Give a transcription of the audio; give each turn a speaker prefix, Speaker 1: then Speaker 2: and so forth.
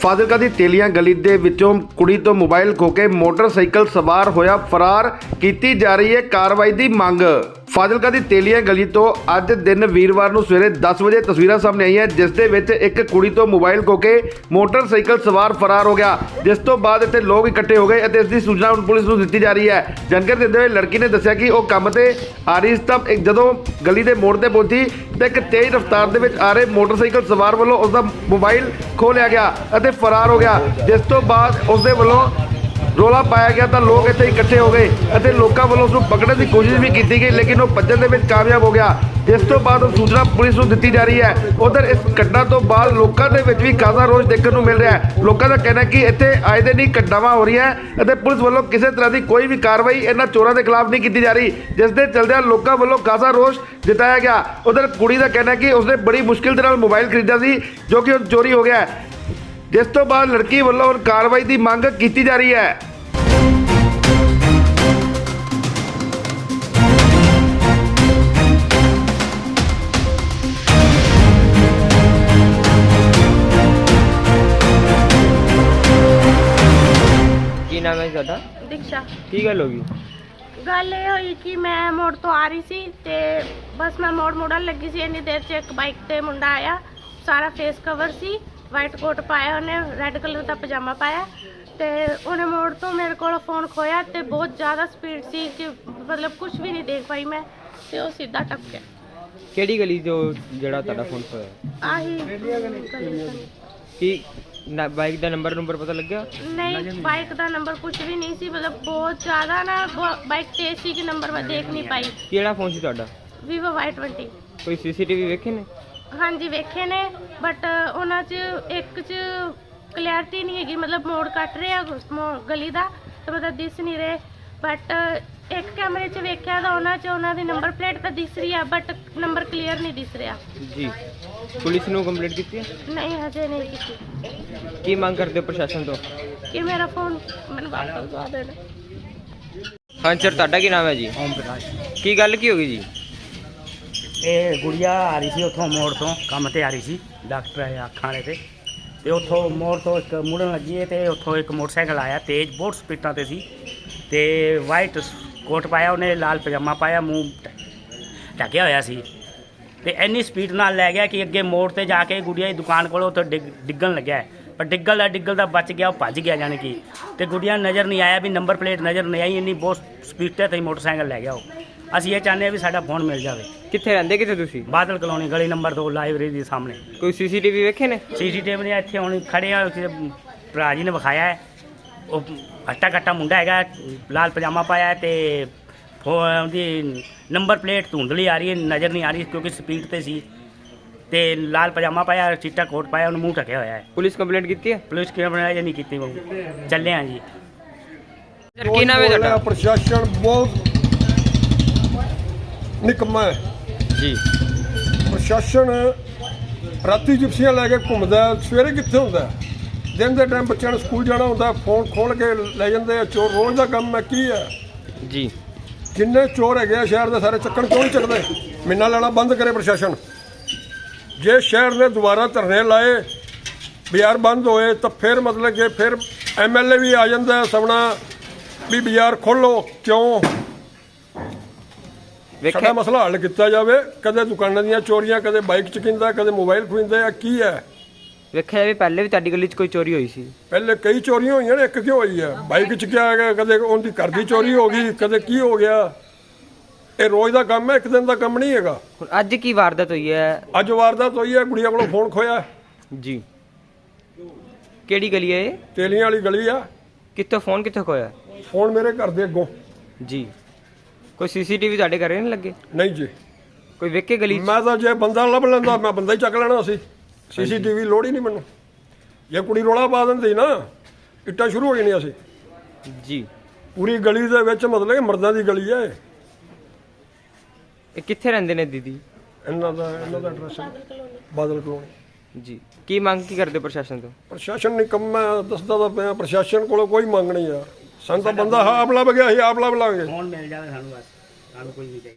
Speaker 1: ਫਾਜ਼ਿਲਕਾ ਦੀ ਤੇਲੀਆਂ ਗਲੀ ਦੇ ਵਿੱਚੋਂ ਕੁੜੀ ਤੋਂ ਮੋਬਾਈਲ ਖੋ ਕੇ ਮੋਟਰਸਾਈਕਲ ਸਵਾਰ ਹੋਇਆ ਫਰਾਰ, ਕੀਤੀ ਜਾ ਰਹੀ ਹੈ ਕਾਰਵਾਈ ਦੀ ਮੰਗ। ਫਾਜ਼ਿਲਕਾ ਦੀ ਤੇਲੀਆਂ ਗਲੀ ਤੋਂ ਅੱਜ ਦਿਨ ਵੀਰਵਾਰ ਨੂੰ ਸਵੇਰੇ 10 ਵਜੇ ਤਸਵੀਰਾਂ ਸਾਹਮਣੇ ਆਈਆਂ ਜਿਸ ਦੇ ਵਿੱਚ ਇੱਕ ਕੁੜੀ ਤੋਂ ਮੋਬਾਈਲ ਖੋ ਕੇ ਮੋਟਰਸਾਈਕਲ ਸਵਾਰ ਫਰਾਰ ਹੋ ਗਿਆ, ਜਿਸ ਤੋਂ ਬਾਅਦ ਇੱਥੇ ਲੋਕ ਇਕੱਠੇ ਹੋ ਗਏ ਅਤੇ ਇਸ ਦੀ ਸੂਚਨਾ ਹੁਣ ਪੁਲਿਸ ਨੂੰ ਦਿੱਤੀ ਜਾ ਰਹੀ ਹੈ। ਜਾਣਕਾਰੀ ਦਿੰਦੇ ਹੋਏ ਲੜਕੀ ਨੇ ਦੱਸਿਆ ਕਿ ਉਹ ਕੰਮ ਤੇ ਆ ਰਹੀ ਸੀ ਤਾਂ ਜਦੋਂ ਗਲੀ ਦੇ ਮੋੜ ਤੇ ਪਹੁੰਚੀ ਤਾਂ ਇੱਕ ਤੇਜ਼ ਰਫ਼ਤਾਰ ਦੇ ਵਿੱਚ ਆ ਰਹੇ ਮੋਟਰਸਾਈਕਲ ਸਵਾਰ ਵੱਲੋਂ ਉਸ ਦਾ ਮੋਬਾਈਲ ਖੋਹ ਲਿਆ ਗਿਆ ਅਤੇ ਫਰਾਰ ਹੋ ਗਿਆ, ਜਿਸ ਤੋਂ ਬਾਅਦ ਉਸ ਦੇ ਵੱਲੋਂ ਰੌਲਾ ਪਾਇਆ ਗਿਆ ਤਾਂ ਲੋਕ ਇੱਥੇ ਇਕੱਠੇ ਹੋ ਗਏ ਅਤੇ ਲੋਕਾਂ ਵੱਲੋਂ ਉਸ ਨੂੰ ਪਕੜਨ ਦੀ ਕੋਸ਼ਿਸ਼ ਵੀ ਕੀਤੀ ਗਈ, ਲੇਕਿਨ ਉਹ ਭੱਜਣ ਦੇ ਵਿੱਚ ਕਾਮਯਾਬ ਹੋ ਗਿਆ, ਜਿਸ ਤੋਂ ਬਾਅਦ ਉਹ ਸੂਚਨਾ ਪੁਲਿਸ ਨੂੰ ਦਿੱਤੀ ਜਾ ਰਹੀ ਹੈ। ਉਧਰ ਇਸ ਘਟਨਾ ਤੋਂ ਬਾਅਦ ਲੋਕਾਂ ਦੇ ਵਿੱਚ ਵੀ ਖਾਸਾ ਰੋਸ ਦੇਖਣ ਨੂੰ ਮਿਲ ਰਿਹਾ ਹੈ। ਲੋਕਾਂ ਦਾ ਕਹਿਣਾ ਕਿ ਇੱਥੇ ਆਏ ਦਿਨ ਹੀ ਘਟਨਾਵਾਂ ਹੋ ਰਹੀਆਂ ਅਤੇ ਪੁਲਿਸ ਵੱਲੋਂ ਕਿਸੇ ਤਰ੍ਹਾਂ ਦੀ ਕੋਈ ਵੀ ਕਾਰਵਾਈ ਇਹਨਾਂ ਚੋਰਾਂ ਦੇ ਖਿਲਾਫ ਨਹੀਂ ਕੀਤੀ ਜਾ ਰਹੀ, ਜਿਸ ਦੇ ਚਲਦਿਆਂ ਲੋਕਾਂ ਵੱਲੋਂ ਖਾਸਾ ਰੋਸ ਜਤਾਇਆ ਗਿਆ। ਉਧਰ ਕੁੜੀ ਦਾ ਕਹਿਣਾ ਕਿ ਉਸਨੇ ਬੜੀ ਮੁਸ਼ਕਿਲ ਦੇ ਨਾਲ ਮੋਬਾਈਲ ਖਰੀਦਿਆ ਸੀ ਜੋ ਕਿ ਹੁਣ ਚੋਰੀ ਹੋ ਗਿਆ ਹੈ, ਜਿਸ ਤੋਂ ਬਾਅਦ ਲੜਕੀ ਵੱਲੋਂ ਹੁਣ ਕਾਰਵਾਈ ਦੀ ਮੰਗ ਕੀਤੀ ਜਾ ਰਹੀ ਹੈ।
Speaker 2: ਕੀ ਨਾਮ ਹੈ ਤੁਹਾਡਾ?
Speaker 3: ਦੀਕਸ਼ਾ।
Speaker 2: ਕੀ ਗੱਲ ਹੋ ਗਈ?
Speaker 3: ਗੱਲ ਇਹ ਹੋਈ ਕਿ ਮੈਂ ਮੋੜ ਤੋਂ ਆ ਰਹੀ ਸੀ ਤੇ ਬਸ ਮੈਂ ਮੋੜ ਮੁੜਨ ਲੱਗੀ ਸੀ, ਇੰਨੀ ਦੇਰ 'ਚ ਇੱਕ ਬਾਈਕ ਤੇ ਮੁੰਡਾ ਆਇਆ, ਸਾਰਾ ਫੇਸ ਕਵਰ ਸੀ, ਵਾਈਟ ਕੋਟ ਪਾਇਆ, ਉਹਨੇ ਰੈੱਡ ਕਲਰ ਦਾ ਪਜਾਮਾ ਪਾਇਆ ਤੇ ਉਹਨੇ ਮੋੜ ਤੋਂ ਮੇਰੇ ਕੋਲ ਫੋਨ ਖੋਇਆ ਤੇ ਬਹੁਤ ਜ਼ਿਆਦਾ ਸਪੀਡ ਸੀ ਕਿ ਮਤਲਬ ਕੁਝ ਵੀ ਨਹੀਂ ਦੇਖ ਪਾਈ ਮੈਂ, ਤੇ ਉਹ ਸਿੱਧਾ ਟੱਪ
Speaker 2: ਕਿਹੜੀ ਗਲੀ ਜੋ ਜਿਹੜਾ ਤੁਹਾਡਾ ਫੋਨ ਖੋਇਆ?
Speaker 3: ਆਹੀ
Speaker 2: ਕੀ ਬਾਈਕ ਦਾ ਨੰਬਰ ਪਤਾ ਲੱਗਿਆ?
Speaker 3: ਨਹੀਂ, ਬਾਈਕ ਦਾ ਨੰਬਰ ਕੁਝ ਵੀ ਨਹੀਂ ਸੀ, ਮਤਲਬ ਬਹੁਤ ਜ਼ਿਆਦਾ ਨਾ ਬਾਈਕ ਤੇਜ਼ ਸੀ ਕਿ ਨੰਬਰ ਮੈਂ ਦੇਖ ਨਹੀਂ ਪਾਈ।
Speaker 2: ਕਿਹੜਾ ਫੋਨ ਸੀ ਤੁਹਾਡਾ?
Speaker 3: Vivo Y20।
Speaker 2: ਕੋਈ ਸੀਸੀਟੀਵੀ ਵੇਖੇ ਨੇ?
Speaker 3: ਹਾਂਜੀ ਵੇਖੇ ਨੇ, ਬਟ ਉਹਨਾਂ 'ਚ ਇੱਕ 'ਚ ਕਲੈਰਿਟੀ ਨਹੀਂ ਹੈਗੀ, ਮਤਲਬ ਮੋੜ ਕੱਟ ਰਿਹਾ ਗਲੀ ਦਾ ਤਾਂ ਮਤਲਬ ਦਿਸ ਨਹੀਂ ਰਹੇ, ਬਟ ਇੱਕ ਕੈਮਰੇ 'ਚ ਵੇਖਿਆ ਤਾਂ ਉਹਨਾਂ ਦੀ ਨੰਬਰ ਪਲੇਟ ਤਾਂ ਦਿਸ ਰਹੀ ਆ ਬਟ ਨੰਬਰ ਕਲੀਅਰ ਨਹੀਂ ਦਿਸ ਰਿਹਾ।
Speaker 2: ਜੀ, ਪੁਲਿਸ ਨੂੰ ਕੰਪਲੇਂਟ ਕੀਤੀ ਹੈ?
Speaker 3: ਨਹੀਂ, ਹਜੇ ਨਹੀਂ ਕੀਤੀ।
Speaker 2: ਕੀ ਮੰਗ ਕਰਦੇ ਹੋ ਪ੍ਰਸ਼ਾਸਨ ਤੋਂ?
Speaker 3: ਕਿ ਮੇਰਾ ਫੋਨ ਮੈਨੂੰ ਵਾਪਸ ਦਵਾ ਦੇਣ।
Speaker 2: ਹਾਂ ਸਰ, ਤੁਹਾਡਾ ਕੀ ਨਾਮ ਹੈ ਜੀ?
Speaker 4: ਓਮ ਪ੍ਰਕਾਸ਼।
Speaker 2: ਕੀ ਗੱਲ ਕੀ ਹੋ ਗਈ ਜੀ?
Speaker 4: ਇਹ ਗੁੜੀਆ ਆ ਰਹੀ ਸੀ ਉੱਥੋਂ ਮੋੜ ਤੋਂ, ਕੰਮ ਤੇ ਆ ਰਹੀ ਸੀ, ਡਾਕਟਰ ਹੈ ਅੱਖਾਂ ਵਾਲੇ ਤੇ ਉੱਥੋਂ ਮੋੜ ਤੋਂ ਇੱਕ ਮੁੜਨ ਲੱਗੀ ਤੇ ਉੱਥੋਂ ਇੱਕ ਮੋਟਰਸਾਈਕਲ ਆਇਆ ਤੇਜ਼, ਬਹੁਤ ਸਪੀਡਾਂ ਤੇ ਸੀ ਤੇ ਵਾਈਟ ਕੋਟ ਪਾਇਆ, ਉਹਨੇ ਲਾਲ ਪਜਾਮਾ ਪਾਇਆ, ਮੂੰਹ ਢੱਕਿਆ ਹੋਇਆ ਸੀ ਤੇ ਇੰਨੀ ਸਪੀਡ ਨਾਲ ਲੈ ਗਿਆ ਕਿ ਅੱਗੇ ਮੋੜ ਤੇ ਜਾ ਕੇ ਗੁੜੀਆ ਦੀ ਦੁਕਾਨ ਕੋਲ ਉੱਥੇ ਡਿੱਗਣ ਲੱਗਿਆ, ਪਰ ਡਿੱਗਲ ਦਾ ਬਚ ਗਿਆ, ਉਹ ਭੱਜ ਗਿਆ ਜਾਣੀ ਕਿ, ਤੇ ਗੁੜੀਆ ਨਜ਼ਰ ਨਹੀਂ ਆਇਆ ਵੀ ਨੰਬਰ ਪਲੇਟ ਨਜ਼ਰ ਨਹੀਂ ਆਈ, ਇੰਨੀ ਬਹੁਤ ਸਪੀਡ ਤੇ ਮੋਟਰਸਾਈਕਲ ਲੈ ਗਿਆ ਉਹ। ਅਸੀਂ ਇਹ ਚਾਹੁੰਦੇ ਹਾਂ ਵੀ ਸਾਡਾ ਫੋਨ ਮਿਲ ਜਾਵੇ।
Speaker 2: ਕਿੱਥੇ ਰਹਿੰਦੇ ਕਿੱਥੇ ਤੁਸੀਂ?
Speaker 4: ਬਾਦਲ ਕਲੋਨੀ ਗਲੀ ਨੰਬਰ 2 ਲਾਇਬ੍ਰੇਰੀ ਦੇ ਸਾਹਮਣੇ।
Speaker 2: ਕੋਈ ਸੀਸੀਟੀਵੀ ਵੇਖੇ ਨੇ?
Speaker 4: ਸੀਸੀਟੀਵੀ ਨੇ ਇੱਥੇ ਹੁਣ ਖੜੇ ਆ, ਭਰਾ ਜੀ ਨੇ ਵਿਖਾਇਆ ਹੈ, ਉਹ ਹੱਟਾ ਕੱਟਾ ਮੁੰਡਾ ਹੈਗਾ, ਲਾਲ ਪਜਾਮਾ ਪਾਇਆ ਤੇ ਉਹਦੀ ਨੰਬਰ ਪਲੇਟ ਧੁੰਦਲੀ ਆ ਰਹੀ ਹੈ, ਨਜ਼ਰ ਨਹੀਂ ਆ ਰਹੀ ਕਿਉਂਕਿ ਸਪੀਡ ਤੇ ਸੀ, ਤੇ ਲਾਲ ਪਜਾਮਾ ਪਾਇਆ, ਚਿੱਟਾ ਕੋਟ ਪਾਇਆ, ਉਹਨੂੰ ਮੂੰਹ ਢੱਕਿਆ ਹੋਇਆ ਹੈ।
Speaker 2: ਪੁਲਿਸ ਕੰਪਲੇਂਟ ਕੀਤੀ ਹੈ?
Speaker 4: ਪੁਲਿਸ ਕੀ ਬਣਾਇਆ ਜਾਂ ਨਹੀਂ ਕੀਤੀ, ਚੱਲੇ ਹਾਂ ਜੀ।
Speaker 2: ਸਰ ਕੀ ਨਾਮ ਹੈ ਤੁਹਾਡਾ?
Speaker 5: ਪ੍ਰਸ਼ਾਸਨ ਬਹੁਤ ਨਿਕੰਮਾ ਹੈ
Speaker 2: ਜੀ।
Speaker 5: ਪ੍ਰਸ਼ਾਸਨ ਰਾਤੀ ਜਿਪਸੀਆਂ ਲੈ ਕੇ ਘੁੰਮਦਾ, ਸਵੇਰੇ ਕਿੱਥੇ ਹੁੰਦਾ? ਦਿਨ ਦੇ ਟਾਈਮ ਬੱਚਿਆਂ ਨੂੰ ਸਕੂਲ ਜਾਣਾ ਹੁੰਦਾ, ਫੋਨ ਖੋਲ ਕੇ ਲੈ ਜਾਂਦੇ ਆ ਚੋਰ, ਰੋਜ਼ ਦਾ ਕੰਮ ਹੈ। ਕੀ ਹੈ
Speaker 2: ਜੀ,
Speaker 5: ਜਿੰਨੇ ਚੋਰ ਹੈਗੇ ਆ ਸ਼ਹਿਰ ਦੇ ਸਾਰੇ ਚੱਕਣ ਕਿਉਂ ਨਹੀਂ ਚੱਕਦੇ? ਮਹੀਨਾ ਲੈਣਾ ਬੰਦ ਕਰੇ ਪ੍ਰਸ਼ਾਸਨ। ਜੇ ਸ਼ਹਿਰ ਨੇ ਦੁਬਾਰਾ ਧਰਨੇ ਲਾਏ, ਬਾਜ਼ਾਰ ਬੰਦ ਹੋਏ ਤਾਂ ਫਿਰ ਮਤਲਬ ਕਿ ਫਿਰ MLA ਵੀ ਆ ਜਾਂਦਾ ਸਵਣਾ ਵੀ ਬਾਜ਼ਾਰ ਖੋਲ੍ਹੋ, ਕਿਉਂ? ਸਾਡਾ ਮਸਲਾ ਹੱਲ ਕੀਤਾ ਜਾਵੇ। ਕਦੇ ਦੁਕਾਨਾਂ ਦੀਆਂ ਚੋਰੀਆਂ, ਕਦੇ ਬਾਈਕ ਚਕਿੰਦਾ, ਕਦੇ ਮੋਬਾਈਲ ਖੋਹਿੰਦੇ ਆ, ਕੀ ਹੈ?
Speaker 2: ਵੇਖਿਆ ਜਾਵੇ ਪਹਿਲੇ ਵੀ ਤੁਹਾਡੀ ਗਲੀ 'ਚ ਕੋਈ ਚੋਰੀ ਹੋਈ ਸੀ?
Speaker 5: ਪਹਿਲੇ ਕਈ ਚੋਰੀਆਂ ਹੋਈਆਂ ਨੇ, ਇੱਕ ਕਿਉਂ ਹੋਈ ਹੈ? ਬਾਈਕ ਚਕਿਆ ਗਿਆ, ਕਦੇ ਉਹਦੀ ਘਰ ਦੀ ਚੋਰੀ ਹੋ ਗਈ, ਕਦੇ ਕੀ ਹੋ ਗਿਆ। ਇਹ ਰੋਜ਼ ਦਾ ਕੰਮ ਹੈ, ਇੱਕ ਦਿਨ ਦਾ ਕੰਮ ਨਹੀਂ ਹੈਗਾ।
Speaker 2: ਹੁਣ ਅੱਜ ਕੀ ਵਾਰਦਾਤ ਹੋਈ ਹੈ?
Speaker 5: ਅੱਜ ਵਾਰਦਾਤ ਹੋਈ ਹੈ, ਗੁੜੀਆ ਕੋਲੋਂ ਫੋਨ ਖੋਇਆ।
Speaker 2: ਜੀ, ਕਿਹੜੀ ਗਲੀ ਹੈ ਇਹ?
Speaker 5: ਤੇਲੀਆਂ ਵਾਲੀ ਗਲੀ ਆ।
Speaker 2: ਕਿੱਥੋਂ ਫੋਨ ਕਿੱਥੋਂ ਖੋਇਆ?
Speaker 5: ਫੋਨ ਮੇਰੇ ਘਰ ਦੇ ਅੱਗੋਂ।
Speaker 2: ਜੀ, ਕੋਈ ਸੀਸੀਟੀਵੀ ਤੁਹਾਡੇ ਘਰੇ ਨਹੀਂ ਲੱਗੇ?
Speaker 5: ਨਹੀਂ ਜੀ,
Speaker 2: ਕੋਈ ਵੇਖੇ ਗਲੀ 'ਚ?
Speaker 5: ਮੈਂ ਤਾਂ ਜੇ ਬੰਦਾ ਲੱਭ ਲੈਂਦਾ ਮੈਂ ਬੰਦਾ ਹੀ ਚੱਕ ਲੈਣਾ ਸੀ। CCTV ਲੋੜ ਹੀ ਨਹੀਂ ਮੈਨੂੰ। ਜੇ ਕੁੜੀ ਰੋਲਾ ਪਾ ਦਿੰਦੀ ਨਾ, ਇੱਟਾਂ ਸ਼ੁਰੂ ਹੋ ਜਾਣੀਆਂ ਸੀ।
Speaker 2: ਜੀ,
Speaker 5: ਪੂਰੀ ਗਲੀ ਦੇ ਵਿੱਚ ਮਤਲਬ ਕਿ ਮਰਦਾਂ ਦੀ ਗਲੀ ਹੈ।
Speaker 2: ਇਹ ਕਿੱਥੇ ਰਹਿੰਦੇ ਨੇ ਦੀਦੀ?
Speaker 5: ਇਹਨਾਂ ਦਾ ਐਡਰੈਸ ਬਾਦਲ ਕਲੋਨੀ।
Speaker 2: ਜੀ, ਕੀ ਮੰਗ ਕੀ ਕਰਦੇ ਪ੍ਰਸ਼ਾਸਨ ਤੋਂ?
Speaker 5: ਪ੍ਰਸ਼ਾਸਨ ਨਿਕੰਮਾ ਦੱਸਦਾ ਤਾਂ ਪਿਆ, ਪ੍ਰਸ਼ਾਸਨ ਕੋਲੋਂ ਕੋਈ ਮੰਗ ਨਹੀਂ ਆ। ਸਾਨੂੰ ਤਾਂ ਬੰਦਾ ਆਪ ਲੱਭ ਗਿਆ ਸੀ, ਆਪ ਲੱਭ ਲਾਂਗੇ।
Speaker 4: ਫੋਨ ਮਿਲ ਜਾਵੇ ਸਾਨੂੰ, ਬਸ ਸਾਨੂੰ ਕੋਈ ਨਹੀਂ ਚਾਹੀਦਾ।